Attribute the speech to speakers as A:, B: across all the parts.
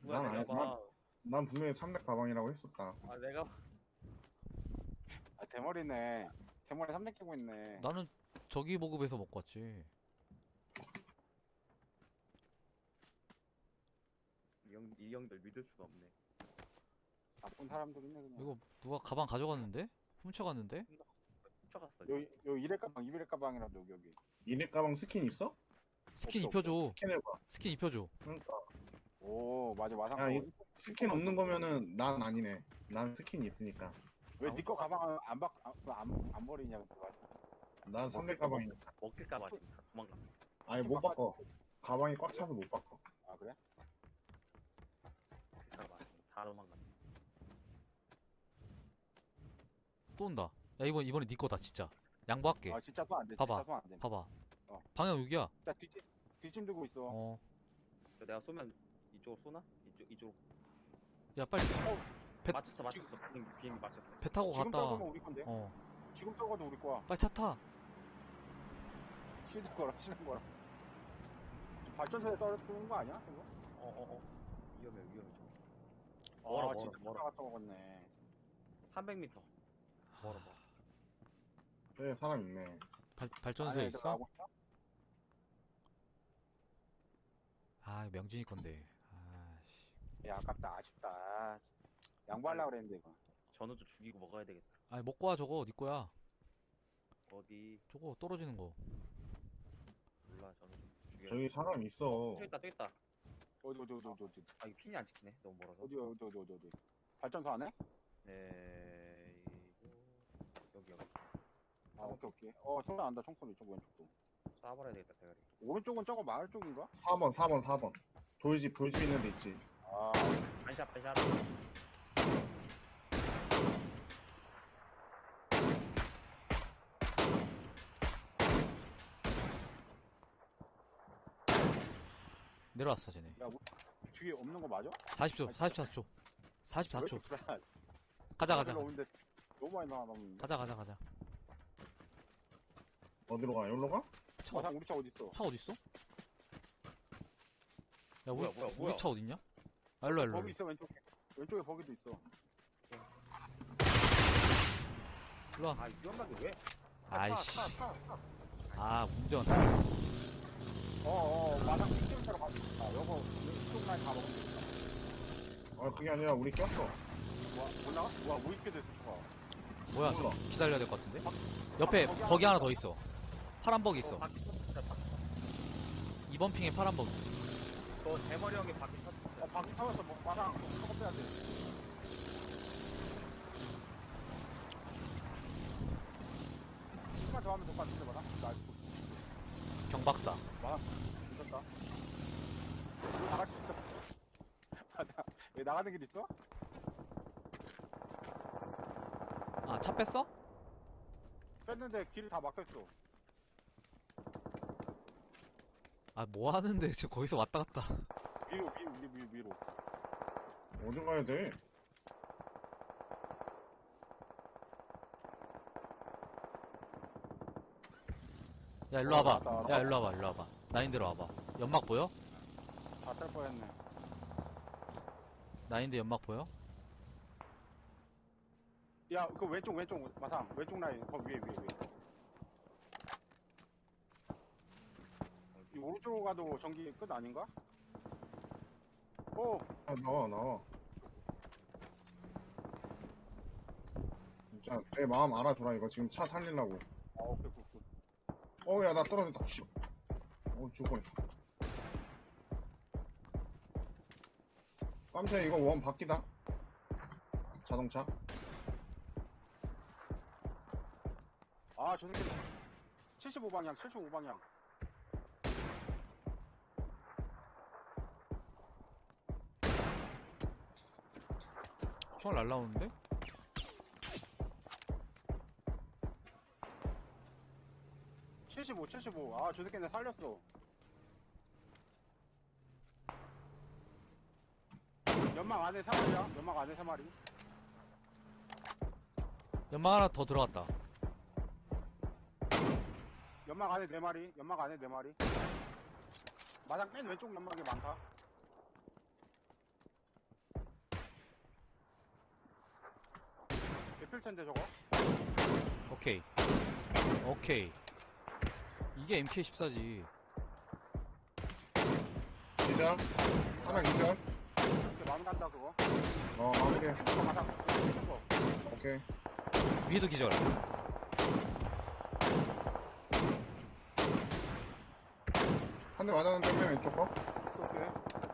A: 뭐야,
B: 난
A: 내가
B: 아니,
A: 봐.
B: 난 분명히 300 가방이라고 했었다.
A: 아, 내가
C: 아, 대머리네. 대머리 3대 끼고 있네.
D: 나는 저기 보급에서 먹고 왔지.
A: 이 형들 믿을 수가 없네.
C: 나쁜 사람들이네, 그냥.
D: 이거 누가 가방 가져갔는데? 훔쳐갔는데?
A: 훔쳐갔어.
C: 요 이래 가방, 이래 가방이라도 여기.
B: 이네 가방 스킨 있어?
D: 스킨
C: 없어, 없어.
D: 입혀줘.
B: 스킨해봐.
D: 스킨 입혀줘.
B: 그러니까.
C: 오, 맞아, 마상
B: 야,
C: 거.
B: 이 스킨 없는 거면은 난 아니네. 난 스킨이 있으니까.
C: 왜 니 거 가방 안 버리냐, 그때 말씀.
B: 난 300 가방이니까.
A: 먹힐까봐 지금 다 도망갔어.
B: 아니, 못 바꿔. 가방이 꽉 차서 못 바꿔.
C: 아, 그래?
A: 먹힐까봐 지금 다 도망갔어.
D: 또 온다. 야, 이번에 네 거다, 진짜. 양보할게.
C: 아, 진짜 또 안 돼.
D: 봐봐.
C: 진짜 또 안 돼.
D: 봐봐.
C: 어.
D: 방향 여기야.
C: 자, 뒷짐 들고 있어.
D: 어.
A: 내가 쏘면 이쪽으로 쏘나? 이쪽으로.
D: 야, 빨리. 배-
A: 맞췄어. 비행기 맞췄어.
D: 배 타고
C: 지금
D: 갔다.
C: 떨구면 우리 건데?
D: 어.
C: 지금 떨궈도 우리 거야.
D: 빨리 차 타.
C: 쉬는 거라, 쉬는 거라. 발전소에 떨어뜨리는 거 아니야, 이거?
A: 위험해, 좀.
C: 아,
A: 멀어,
C: 진짜
A: 멀어.
C: 갔다 먹었네.
A: 300m. 멀어.
B: 그래, 사람 있네.
D: 발전소에
C: 안에
D: 있어?
C: 들어가고 있어?
D: 아, 명진이 건데. 아씨.
C: 야, 아깝다, 아쉽다. 양보하려고 그랬는데, 이거.
A: 전우도 죽이고 먹어야 되겠다.
D: 아니, 먹고 와, 저거. 네 거야.
A: 어디?
D: 저거 떨어지는 거.
A: 몰라, 전우 좀 죽여.
B: 저기 사람 있어.
A: 저 있다.
C: 어디.
A: 아, 이거 핀이 안 찍히네. 너무 멀어서.
C: 어디. 발전소 안에?
A: 네, 여기.
C: 아, 오케이. 소리 난다, 총소리, 저 왼쪽도.
A: 쏴버려야 되겠다, 대가리.
C: 오른쪽은 저거 마을 쪽인가?
B: 4번. 돌집 있는 데 있지.
C: 아,
A: 반샷.
D: 내려왔어, 쟤네.
C: 야, 뒤에 없는 거 맞아?
D: 40초, 44초. 44초.
C: 왜 이렇게 불안-
D: 가자.
C: 오는데 너무 많이 나가는데.
D: 가자.
B: 어디로 가? 여기로 가?
C: 마상 우리 차 어딨어?
D: 차 어딨어? 야,
A: 뭐야.
D: 우리 차 어딨냐? 아, 일로와.
C: 버기 있어, 왼쪽에 버기도 있어.
D: 일로와.
A: 아, 위험하게 왜?
D: 아이씨.
A: 타.
D: 아, 운전.
C: 마상 뒷집으로 가고 있다. 요거, 이쪽 라인 다 먹으면 되겠다.
B: 아, 그게 아니라 우리 꼈어.
C: 못 나가? 뭐 있게 됐어, 차.
D: 뭐야,
B: 몰라.
D: 좀 기다려야 될 것 같은데? 옆에 버기 하나 더 있어. 파란 버기 있어.
A: 바퀴 터졌다.
D: 2번 핑에 파란 버기.
A: 저 대머리 형이 바퀴 터졌어.
C: 바퀴 타면서 마상 저거 빼야 돼. 조금만 더 하면 될 것 같은데, 마상? 나 알고 있어.
D: 경박사.
C: 마상, 미쳤다. 이거 나갈 수 있어. 맞아. 여기 나가는 길 있어?
D: 아, 차 뺐어?
C: 뺐는데 길이 다 막혔어.
D: 아, 뭐 하는데? 저 거기서 왔다 갔다.
C: 위로.
B: 어디 가야 돼?
D: 야, 일로 와봐.
C: 왔다.
D: 야, 일로 와봐. 나인대로 와봐. 연막 보여?
C: 다 뗄 뻔했네.
D: 나인대 연막 보여?
C: 야, 그 왼쪽, 마상. 왼쪽 라인, 위에. 이 오른쪽으로 가도 전기 끝 아닌가?
B: 아, 나와. 진짜 내 마음 알아줘라. 이거 지금 차 살리려고.
C: 오케이.
B: 야, 나 떨어졌다. 씨. 죽을 뻔했어. 깜짝이야, 이거 원 바뀌다. 자동차.
C: 아, 저 새끼 75방향.
D: 총알 날라오는데?
C: 아, 저 새끼 내 살렸어. 연막 안에 3마리야? 연막 안에 3마리?
D: 연막 하나 더 들어갔다.
C: 연막 안에 4마리? 마당 맨 왼쪽 연막이 많다. 잡힐 텐데 저거.
D: 오케이. 오케이. 이게 MK14지.
B: 기절. 하나 기절.
C: 이렇게 마음 간다 그거.
B: 마무리.
C: 이거 바닥 튀는 거.
B: 오케이.
D: 위에도 기절.
B: 한 대 맞았는데 맨 왼쪽 거.
C: 오케이.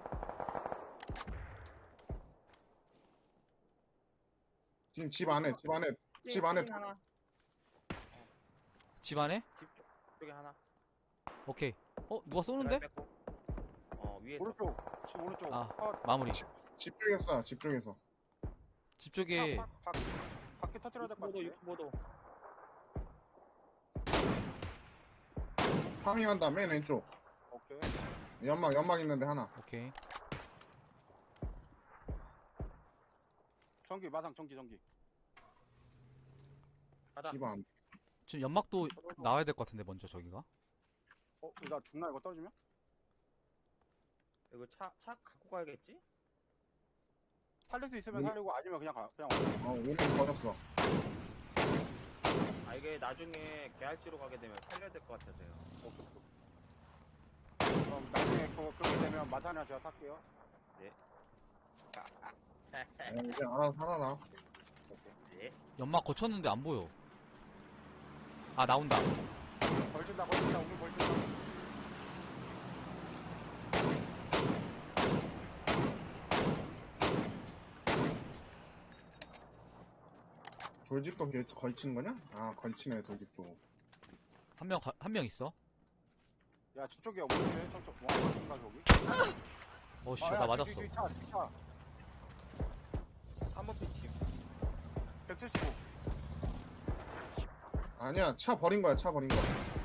B: 지금 집 안에, 집 안에.
A: 띵 하나.
D: 집 안에?
A: 집 쪽에 하나.
D: 오케이. 누가 쏘는데?
A: 드라이브 뺐고. 위에서.
C: 오른쪽. 집 오른쪽.
D: 아, 마무리.
B: 집 쪽에서, 집 쪽에서.
D: 집 쪽에,
C: 밖에 터뜨려야 될 것
A: 유튜브도
C: 같은데.
A: 유튜브도.
B: 파밍한다, 맨 왼쪽.
C: 오케이.
B: 연막 있는데 하나.
D: 오케이.
C: 전기 마상 전기.
A: 가자.
B: 집 안.
D: 지금 연막도 나와야 될 것 같은데, 먼저 저기가.
C: 나 죽나 이거 떨어지면?
A: 이거 차 갖고 가야겠지?
C: 살릴 수 있으면
B: 음.
C: 살리고 아니면 그냥 가. 그냥
B: 우리는 버렸어.
A: 이게 나중에 개할지로 가게 되면 살려야 될 것 같아서요.
C: 그럼 나중에 그렇게 되면 마산이나 제가 탈게요.
B: 이제 알아서 살아라.
A: 예.
D: 연막 거쳤는데 안 보여. 아, 나온다.
C: 걸친다 우리 걸친다.
B: 돌집도 걸친 거냐? 아, 걸치네, 돌집도.
D: 한 명 있어.
C: 야 저쪽에 없는데 저쪽 원각인가 저기?
D: 씨, 나 맞았어.
C: 뒤차
A: 3번 피치.
C: 175.
B: 아니야, 차 버린 거야, 차 버린 거.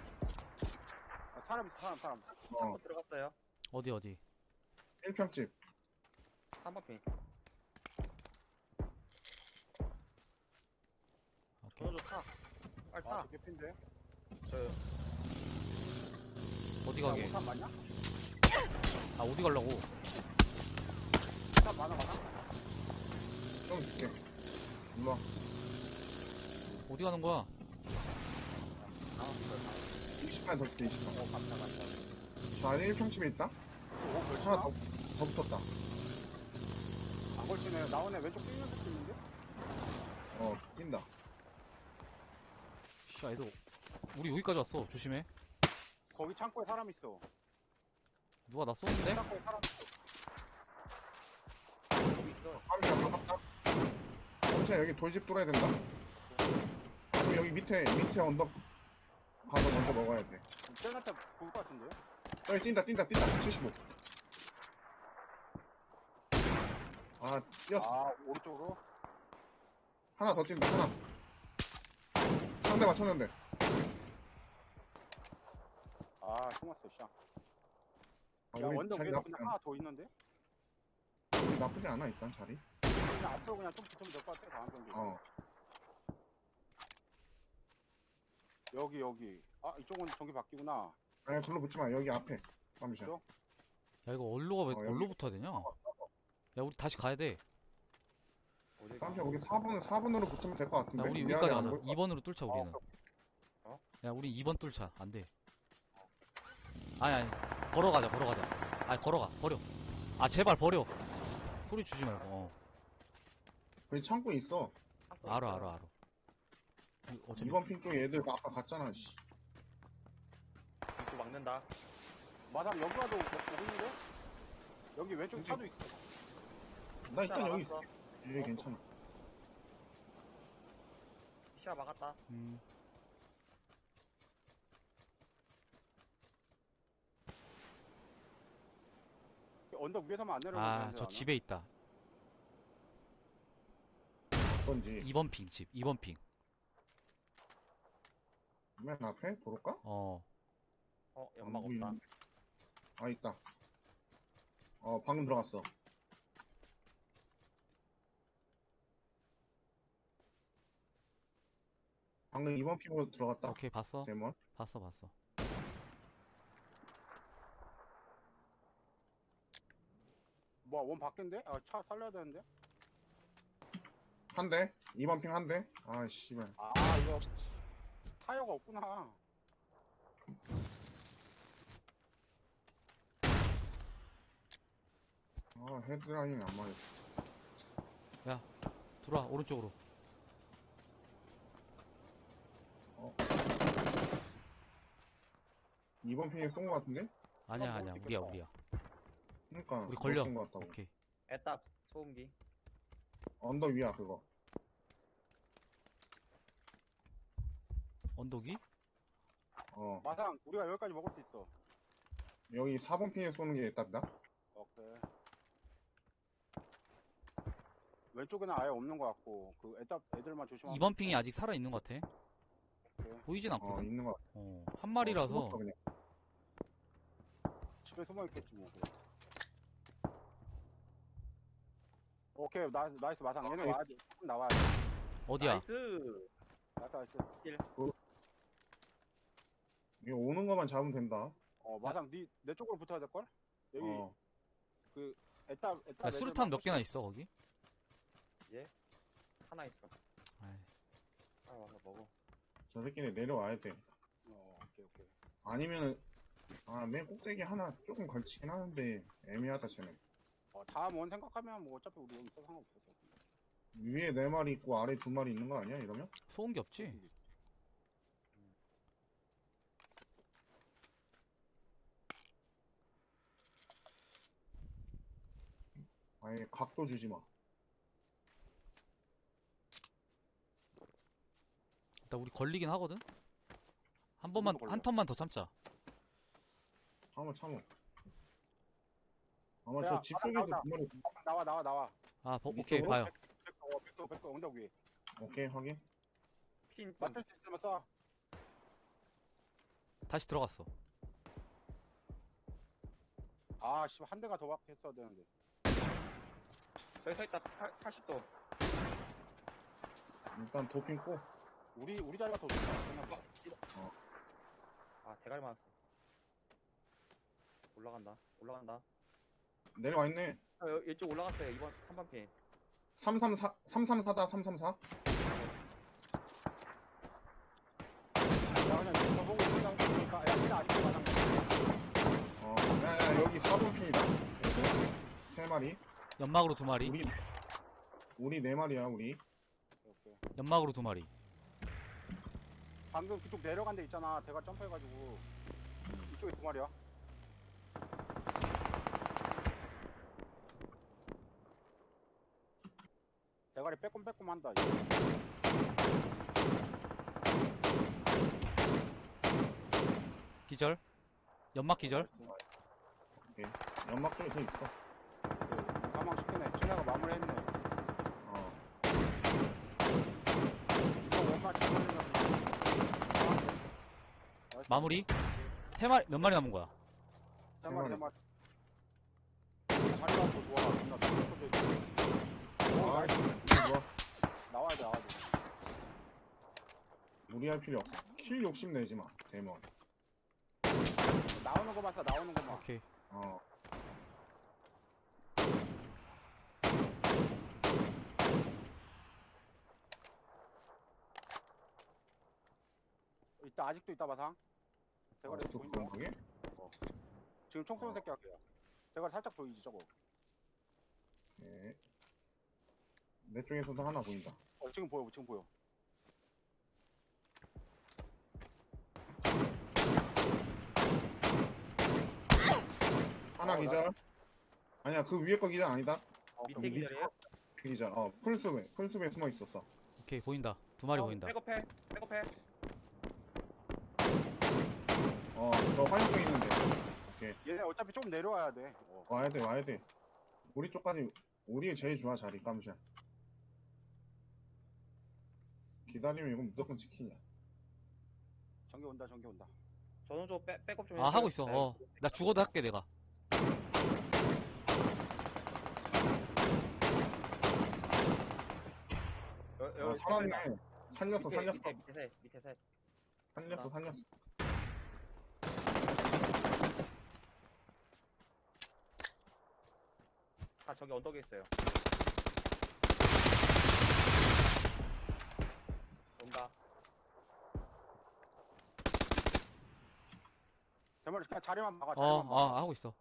C: 사람 있어 사람.
A: 들어갔어요.
D: 어디?
B: 1평집.
A: 3번 핀.
D: 오케이.
A: 저도 타. 빨리 타.
C: 저게 핀데.
A: 저
D: 어디 가게?
C: 오탄 맞냐?
D: 아, 어디 가려고?
C: 오탄 많아.
B: 좀 줄게. 일로 와.
D: 어디 가는 거야?
B: 20만 더 줄게, 20만.
C: 감사.
B: 저 안에 1평집에 있다? 하나
C: 걸치나?
B: 더 붙었다.
C: 안 걸치네. 나오네. 왼쪽 뛰는 새끼 있는데?
B: 뛴다.
D: 씨, 애도 우리 여기까지 왔어. 조심해.
C: 거기 창고에 사람 있어.
D: 누가 나 쏘는데?
C: 창고에 사람 있어.
A: 여기 있어.
B: 파밍이 가깝다. 잠시만, 여기 돌집 뚫어야 된다. 그럼 여기 밑에 언덕 가서 먼저 먹어야 돼.
C: 쟤한테 볼것 같은데?
B: 여기 뛴다. 75. 아, 뛰었어.
C: 오른쪽으로?
B: 하나 더 뛴다, 하나. 상대 맞췄는데.
C: 숨었어, 씨. 야,
B: 우리
C: 언덕
B: 자리
C: 위에도
B: 나쁘지
C: 그냥 하나 더 있는데?
B: 우리 나쁘지 않아, 일단 자리.
C: 그냥 앞으로 그냥 좀 붙으면 될 것 같아, 다음 경기. 여기. 이쪽은 전기 바뀌구나.
B: 아니, 불러 붙지 마. 여기 앞에. 잠시만.
C: 그죠?
D: 야, 이거 어디로
B: 여기.
D: 붙어야 되냐? 야, 우리 다시 가야 돼.
A: 어디
B: 잠시만, 우리 4번으로 붙으면 될 것
D: 야,
B: 같은데.
D: 우리
B: 미안해,
D: 여기까지
B: 안
D: 가자.
B: 보일 것
D: 2번으로 뚫자, 우리는. 야, 우리 2번 뚫자. 안 돼. 아니. 걸어가자. 아니, 버려. 아, 제발 버려. 소리 주지 말고.
B: 여기 창고에 있어.
D: 알아. 어차피
B: 2번 핑 쪽에 애들 아까 갔잖아, 씨.
A: 입구 막는다.
C: 마담 여기 와도 오고 있는데? 여기 왼쪽 차도 있어.
B: 나 일단 여기
A: 막았어.
B: 여기 괜찮아.
A: 시야 막았다.
C: 언덕 위에서만 안 내려오면
D: 아, 저 집에 있다.
B: 어떤지.
D: 2번 핑 집. 2번 핑.
B: 맨 앞에? 도로가?
A: 연막
B: 안
A: 없다.
B: 보이는데. 아, 있다. 방금 들어갔어. 방금 2번 핑으로 들어갔다.
D: 오케이, 봤어.
B: 데몬.
D: 봤어.
C: 원 바뀐데? 차 살려야 되는데?
B: 한 대. 2번 핑 한 대. 아, 씨발.
C: 아, 이거 타이어가 없구나.
B: 아, 헤드라인이 안 맞았어.
D: 야, 들어와, 오른쪽으로.
B: 어. 2번 핑에 쏜 거 같은데?
D: 아니야,
C: 그럼
D: 아니야.
C: 못
D: 우리야,
C: 찍겠다.
D: 우리야.
B: 그러니까
D: 우리 걸려.
B: 쏜거 같다고.
D: 오케이.
A: 애답 소음기.
B: 언덕 위야, 그거.
D: 언덕이?
B: 어.
C: 마상, 우리가 여기까지 먹을 수 있어.
B: 여기 4번 핑에 쏘는 게 딱이다.
C: 오케이. 왼쪽에는 아예 없는 것 같고, 그 애들만 조심하면.
D: 2번 핑이 아직 살아있는 것 같아.
C: 오케이.
D: 보이진
B: 어,
D: 않거든?
B: 있는 거 같아.
D: 한 마리라서.
B: 숨었어, 그냥.
C: 집에 숨어 있겠지 뭐. 그래. 오케이, 나이스 마상. 얘는
B: 나이스.
C: 와야 돼. 조금 나와야 돼.
D: 어디야?
A: 나이스.
C: 나이스.
B: 이거 오는 거만 잡으면 된다.
C: 마상, 내 쪽으로 붙어야 될걸? 여기,
B: 어.
C: 그, 애답
D: 야, 수류탄 몇 개나 있어, 거기?
A: 예? 하나 있어.
D: 아이,
A: 아 와서 먹어.
B: 저 새끼네 내려와야 돼.
C: 오케이.
B: 아니면은, 맨 꼭대기 하나 조금 걸치긴 하는데, 애매하다, 쟤네.
C: 다음 원 생각하면 뭐 어차피 우리 여기 있어 상관없어.
B: 위에 4마리 있고 아래 2마리 있는 거 아니야, 이러면?
D: 소음기 없지?
B: 아예 각도 주지 마.
D: 일단 우리 걸리긴 하거든? 한 번만,
C: 걸려.
D: 한 턴만 더 참자.
B: 참어. 아마
C: 야,
B: 저 집 속에서
C: 나왔다.
B: 2마리.
C: 나와.
D: 아, 오케이,
B: 이쪽으로?
D: 봐요.
C: 백도 언덕 위에.
B: 오케이, 확인.
A: 핀 좀.
C: 맞을 수 있으면 쏴.
D: 다시 들어갔어.
C: 아, 씨, 한 대가 더 박혔어야 되는데.
A: 저기 서 있다. 80도.
B: 일단 도핑 꼬.
C: 우리 자리가 더 좋다. 생각보다.
A: 아 대가리 맞았어. 올라간다.
B: 내려와 있네.
A: 이쪽 올라갔어요. 2번 3번 핀.
B: 334다, 334.
C: 야, 그냥 저 보고 있는다고 보니까, 야, 근데 아직도 마당.
B: 야, 여기 4번 핀이다. 3마리.
D: 연막으로 2마리.
B: 우리 4마리야, 우리.
C: 오케이.
D: 연막으로 2마리.
C: 방금 그쪽 내려간 데 있잖아. 대가 점프해가지고. 이쪽에 2마리야. 대가리 빼꼼빼꼼 한다.
D: 기절. 연막 기절.
B: 오케이. 연막 쪽에 더 있어.
C: 가망 시키네. 쟤네가 마무리했네.
B: 어.
C: 이거 원만 잘 걸리면.
D: 마무리. 3마리, 몇 마리 남은 거야?
C: 3마리. 자리가 또 좋아. 존나 또 있고.
B: 이거 좋아.
C: 나와야 돼.
B: 무리할 필요 없어. 킬 욕심 내지 마, 데몬.
C: 나오는 거만 써, 나오는 거만.
D: 오케이.
B: 어.
C: 아직도 있다, 마상. 대가리
B: 또
C: 보인다.
B: 그런 거게?
C: 지금 총 쏘는 새끼 할게요. 대가리 살짝 보이지, 저거.
B: 네. 내 쪽에서도 하나 보인다.
C: 지금 보여.
B: 하나 기절. 아니야, 그 위에 거 기절 아니다.
A: 밑에 기절이에요?
B: 그 기절. 풀숲에 숨어 있었어.
D: 오케이, 보인다. 2마리 보인다.
A: 백업해.
B: 저 화염병 있는데. 오케이.
C: 얘네 어차피 좀 내려와야 돼.
B: 와야 돼. 우리 쪽까지, 우리 제일 좋아, 자리, 깜샷. 기다리면 이건 무조건 치킨이야.
C: 전기 온다.
A: 저는 좀 백업 좀
D: 아, 하고 있어. 나 죽어도 할게, 내가.
B: 살았네. 살렸어.
A: 밑에 셋.
B: 살렸어.
A: 다 저기 언덕에 있어요.
C: 대머리 그냥 자리만 막아, 자리만 막아.
D: 하고 있어.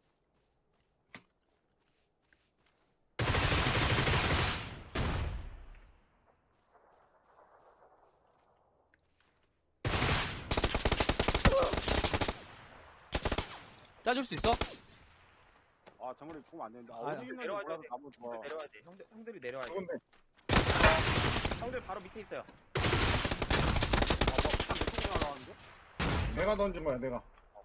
D: 짜줄 수 있어?
C: 아, 대머리 죽으면 안 되는데. 아,
D: 아,
C: 어디 있는지
A: 내려와야
C: 몰라서
A: 돼.
C: 나무 좋아.
A: 내려와야 돼. 형들이 내려와야 돼.
B: 죽은데.
A: 형들 바로 밑에 있어요.
C: 아, 뭐, 한내 쪽으로 날아가는데?
B: 내가 던진 거야, 내가.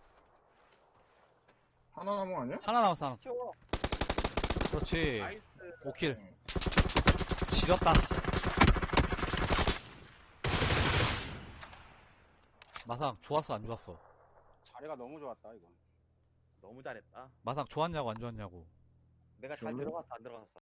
B: 하나 남은 거 아니야?
D: 하나 남았어, 하나.
A: 치워.
D: 그렇지.
A: 나이스.
D: 5킬.
B: 응.
D: 지렸다. 마상, 좋았어, 안 좋았어?
C: 자리가 너무 좋았다, 이건.
A: 너무 잘했다.
D: 마상, 좋았냐고, 안 좋았냐고?
A: 내가 잘
B: 좋네.
A: 들어갔어, 안 들어갔어?